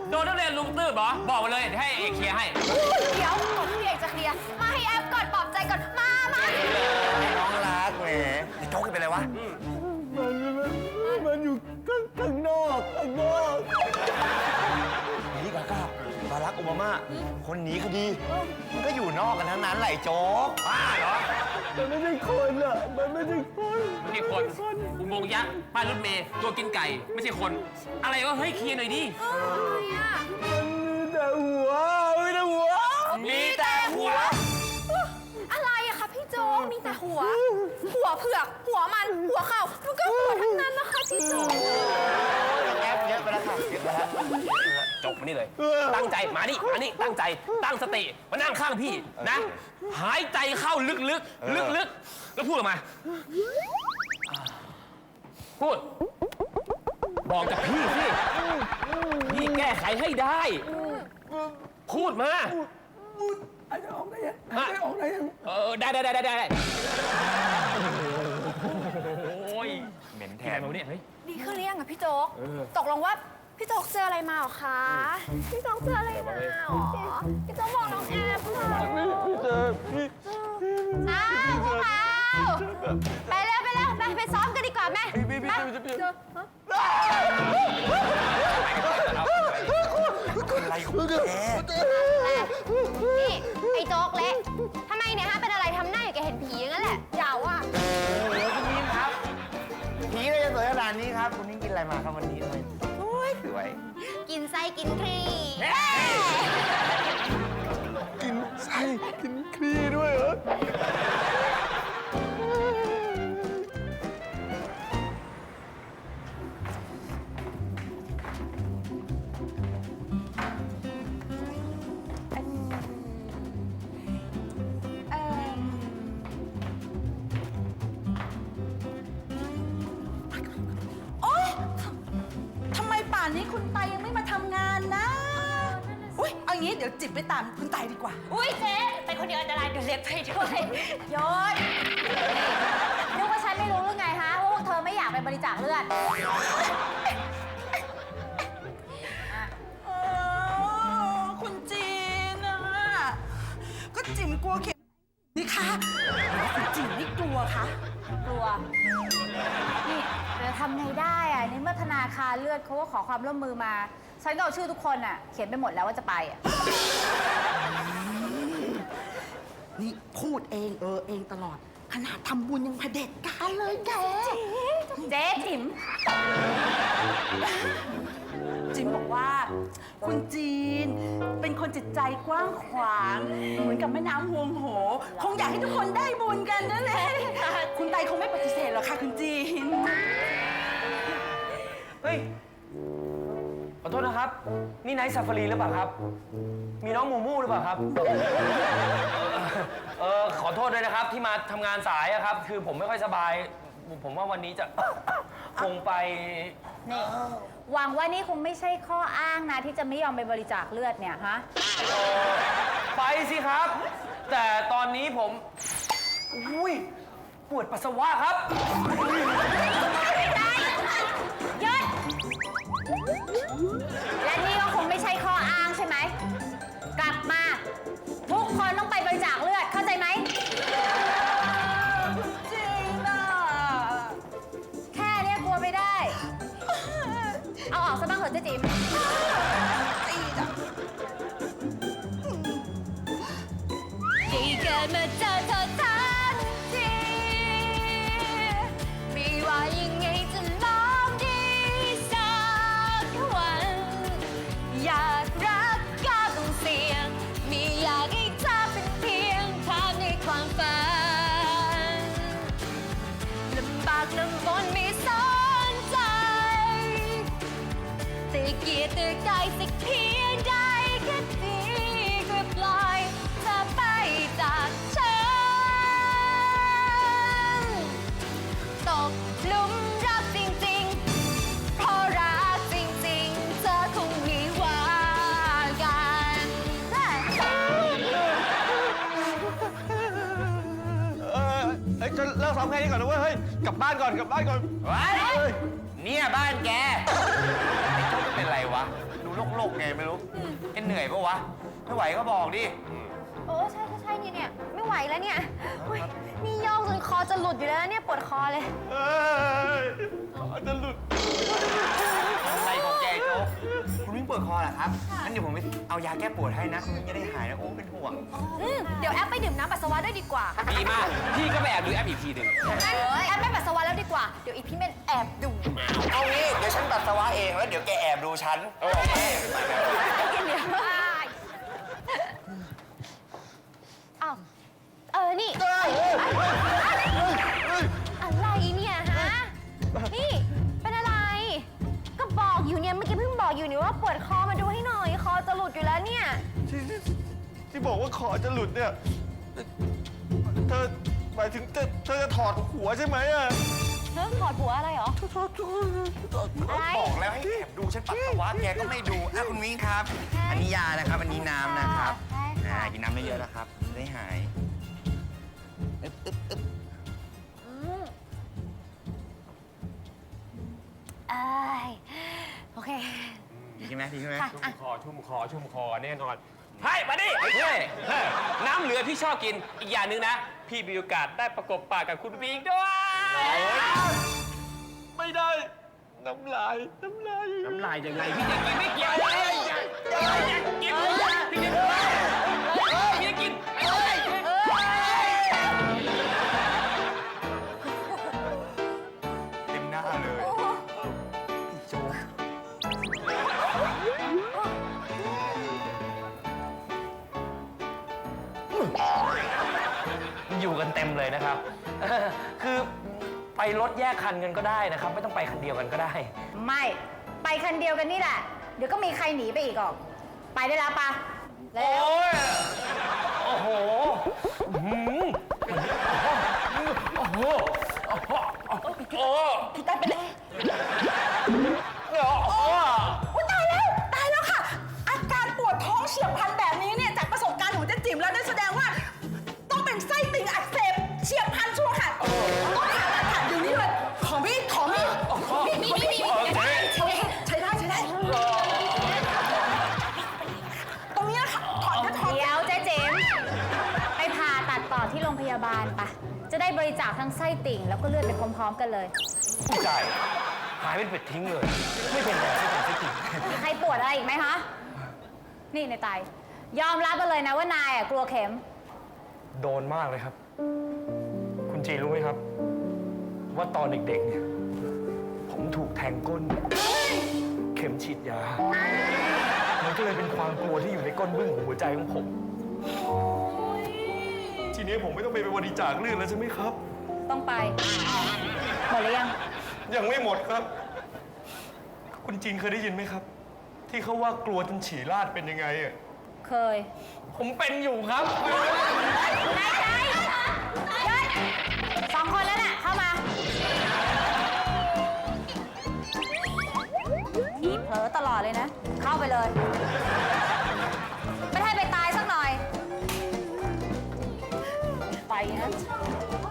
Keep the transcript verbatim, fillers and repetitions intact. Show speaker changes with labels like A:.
A: โดนนักเรียนลุมตื้อเหรอบอกมาเลยให้เอกเคลียร์ให้
B: เดี๋ยวผมพี่เอกจะเคลียร์มาให้แอฟก่อนปลอบใจก่อนมามา
C: น้องรักแหมโจ๊กเป็นไรวะ
D: มันมันอยู่ข้างข้างนอกข้างนอก
C: นี่กาก้าบารักโอบามาคนหนีคดีมันก็อยู่นอกกันทั้งนั้นแหละโจ๊กบ้าเหรอ
D: มันไม่ใช่คนอ่ะมันไม่ใช่คน
A: ไม่ใช่คนอุโมงค์ยักษ์ป้ายรถเมย์ตัวกินไก่ไม่ใช่คนอะไรวะเฮ้ยเคลียร์หน่อยดิ
B: อะไรอ่ะ
D: มันมีแต่หัวมีแต่หัว
A: มีแต่หัว
B: อะไรอะคะพี่โจ๊กมีแต่หัวหัวเผือกหัวมันหัวเข่ามันก็หัวทั้งนั้นนะคะพี่โจ๊ก
C: แอบเยอะไปแล้วค่ะเยอะไปแล้ว
A: จบมานี่เลยตั้งใจมานี่มานี่ตั้งใจตั้งสติมานั่งข้างพี่นะหายใจเข้าลึกๆลึกๆแล้วพูดออกมาพูดบอกกับพี่สิพี่แก้ไขให้ได้พูดมา
D: อาจจะออกได้ยังอาจจะออกได้ยัง
A: เออได้ได้ได้ได้ได้โอ้ย
C: เหม็นแท
A: แท
C: น
A: นมาเนี่ยเฮ้ย
B: ดีขึ้นหรือยังอะพี่โจ๊กตกลงว่าพี่โจ๊กเจออะไรมาหรอคะพี่โจ๊กเจออะไรมาหรอพี่โจ๊กบอกน้องแอฟหน่อย
D: พี่เจอพี่
B: อ้าวพวกเราไปเร็วไปเร็วไปไปซ้อมกันดีกว่าแม่
D: พี่พี่พี่พี่
C: อะไรของแก
B: นี่ไอ้โจ๊กเละทำไมเนี่ยฮะเป็นอะไรทำหน้าอย่างแกเห็นผีอย่างนั้นแหละอย่าว่ะ
C: เดี๋ยวคุณนิ้งครับผีก็จะสวยขนาดนี้ครับคุณนิ้งกินอะไรมาครับวันนี้ทำไมสวยสวย
B: กินไส้กินครี
D: กินไส้กินครีด้วยเหรอ
E: นี้คุณไตยังไม่มาทำงานนะอุ้ยเอางี้เดี๋ยวจิบไปตามคุณไตดีกว่า
B: อุ้ยเจ๊ไปคนเดียวอันตรายเดี๋ยวเล็บไปด้วยยศนึกว่าฉันไม่รู้หรือไงฮะว่าพวกเธอไม่อยากไปบริจาคเลือด
E: คุณจีนนะก็จิ๋มกลัวเข็มนี่ค่ะคุณจีนไม่กลัวคะ
B: กลัวนี่จะทำไงได้อะในเมื่อธนาคารเลือดเขาก็ขอความร่วมมือมาฉันก็เอาชื่อทุกคนอะเขียนไปหมดแล้วว่าจะไปอะ
E: นี่พูดเองเออเองตลอดขนาดทำบุญยังเผด็จการเลยแก
B: เจ๊จิ๋ม
E: จิ๋มบอกว่าคุณจีนเป็นคนจิตใจกว้างขวางเหมือนกับแม่น้ำฮวงโหคงอยากให้ทุกคนได้บุญกันนั่นแหละคุณไตคงไม่ปฏิเสธหรอกค่ะคุณจีน
A: เฮ้ยขอโทษนะครับนี่ไนท์ซาฟารีหรือเปล่าครับมีน้องมูมูหรือเปล่าครับเออขอโทษด้วยนะครับที่มาทำงานสายอะครับคือผมไม่ค่อยสบายผมว่าวันนี้จะคงไป
B: นี่หวังว่านี่คงไม่ใช่ข้ออ้างนะที่จะไม่ยอมไปบริจาคเลือดเนี่ยฮะ
A: ไปสิครับแต่ตอนนี้ผมอุ้ยปวดปัสสาวะครับ
B: หยุดและนี่ก็คงไม่ใช่ข้ออ้างใช่ไหมกลับมาทุกคนต้องไปบริจาคเลือดเข้าใจไหม
E: จริงนะ
B: แค่นี้กลัวไม่ได้เอาออกซะบ้างเถอะเจ๊จิ๋มที่เกิดมาเจอเธอทันทีไม่ว่ายังไงจะลองดีสักวัน อยากรักก็ต้องเสี่ยงไม่อยากให้เธอเป็นเพียงภาพในความฝันลำบากลำบนไม่สนใจแต่เกียรติกายสักเพียงใดก็ดีก็ปล่อยเธอไปจากฉันตกหลุมรักจริงๆเพราะรักจริงๆเธอคงมีว่ากัน
D: เออไอ้จะ
C: เลิกซ้อมแค่นี้ก่อนนะเว้ย เฮ้ย กลับบ้านก่อน กลับบ้านก่อน
A: ว้าย
C: เฮ้ย
A: เนี่ยบ้านแก
C: ไอ้โจ๊กเป็นไรวะ ดูโลกๆไงไม่รู้แกเหนื่อยปะวะ ไม่ไหวก็บอกดิ
B: โอ้ใช่ใช่ใช่เนี่ยเนี่ยไม่ไหวแล้วเนี่ยอุ๊ยนี่โยกจนคอจะหลุดอยู่แล้วเนี่ยปวดคอเลย
C: เอ้ยคอจะหลุดอะไรของแกโจ๊กคุณวิ่งปวดคอเหรอครับ งั้นเดี๋ยวผมไปเอายาแก้ปวดให้นะ คุณวิ่งจะได้หายนะ โอ้ เป็นห่วง
B: อืมเดี๋ยวแอปไปดื่มน้ำปัสสาวะด้วยดีกว่า
A: ดีมาก พี่ก็ไปแอบดูแอปอีกทีหนึ่ง
B: งั้นแอปไม่ปัสสาวะแล้วดีกว่า เดี๋ยวอีพี่เมนแอบดู
C: เอางี้ เดี๋ยวฉันปัสสาวะเอง แล้วเดี๋ยวแกแอบดูฉัน โอเค
B: เดี๋ยวอ้าวเออ นี่ อะไรเนี่ยฮะ นี่ เป็นอะไร ก็บอกอยู่เนี่ย เมื่อกี้เพิ่งบอกอยู่นี่ว่าปวดคอมาดูให้หน่อย คอจะหลุดอยู่แล้วเนี่ย
D: ที่ที่ที่บอกว่าคอจะหลุดเนี่ย เธอหมายถึงเธอเธอจะถอดหัวใช่ไหมอะ
B: เฮ้ยถอดหัวอะไรเหรอ อะไร
C: บอกแล้วให้แอบดูฉันปัสสาวะแกก็ไม่ดูอ่ะคุณวิ่งครับ อันนี้ยานะครับ อันนี้น้ำนะครับ
B: ใช่ค่ะ
C: อ่ากินน้ำเยอะๆนะครับจะได้หายอึ๊บอึ๊บอึ๊บ
B: อืมเอ้ยโอเค
C: ดีใช่ไหมดีใช่ไหม
B: ค่ะ
A: ชุ่มคอ ชุ่มคอ ชุ่มคอแน่นอนให้มาดิเฮ้ยเฮ้ยน้ำเหลือพี่ชอบกิน อีกอย่างหนึ่งนะ พี่มีโอกาสได้ประกบปากกับคุณวิงด้วย
D: ไม่ได้ น้ำลาย น้ำลาย
A: น้ำลายยังไงพี่จะกินไม่เกี่ยวเลยอย่าอย่ากินพี่จะกินพี่จะกิน
C: เต็มหน้าเลยพี่โจ๊ก
F: อยู่กันเต็มเลยนะครับ คือไปรถแยกคันกันก็ได้นะครับ ไม่ต้องไปคันเดียวกันก็ได้
G: ไม่ ไปคันเดียวกันนี่แหละ เดี๋ยวก็มีใครหนีไปอีกออก ไปได้แล้วปะเร็ว
F: โอ้ย โอ้โหอื้อหือโอ้โห โอ้โห โอ้โห
E: พี่ตายไปเลย
F: เดี๋ยวโอ้โห
E: อุ๊ยตายแล้ว ตายแล้วค่ะ อาการปวดท้องเฉียบพลันแบบนี้เนี่ยจากประสบการณ์ของเจ๊จิ๋มแล้วนั่นแสดงว่า ต้องเป็นไส้ติ่งอักเสบเฉียบพลันชัวร์ค่ะต้องผ่าตัดค่ะเดี๋ยวนี้เลยขอมีดขอมีดมีดมีดมีดมีดใช้ได้ใช้ได้ตรงนี้นะคะถอดนะถอด
G: เดี๋ยวเจ๊เจมส์ไปผ่าตัดต่อที่โรงพยาบาลปะจะได้บริจาคทั้งไส้ติ่ง แล้วก็เลือดไปพร้อมๆกันเลย
F: ผู้ใจหายเป็นเป็ดทิ้งเลย ไม่เป็นไรไม่เป็นไรไม่จริง
G: มีใครปวดอะไรอีกไหมคะ นี่ในายไตยอมรับมาเลยนะว่านายอ่ะกลัวเข็ม
F: โดนมากเลยครับ คุณจีรู้ไหมครับ ว่าตอนเด็กๆเนี่ยผมถูกแทงก้น เข็มฉีดยา มันก็เลยเป็นความกลัวที่อยู่ในก้นบึ้งของหัวใจของผม ทีนี้ผมไม่ต้องไปบริจาคเลือดแล้วใช่ไหมครับ
G: ต้องไป หมดหรือยัง
F: ยังไม่หมดครับ คุณจีนเคยได้ยินไหมครับ ที่เขาว่ากลัวจนฉี่ราดเป็นยังไงอ่ะ
G: เคย
F: ผมเป็นอยู่ครับ
G: นายใจหยุดสองคนแล้วน่ะ เข้ามา ทีเผลอตลอดเลยนะ เข้าไปเลย ไม่ให้ไปตายสักหน่อย ไปนะ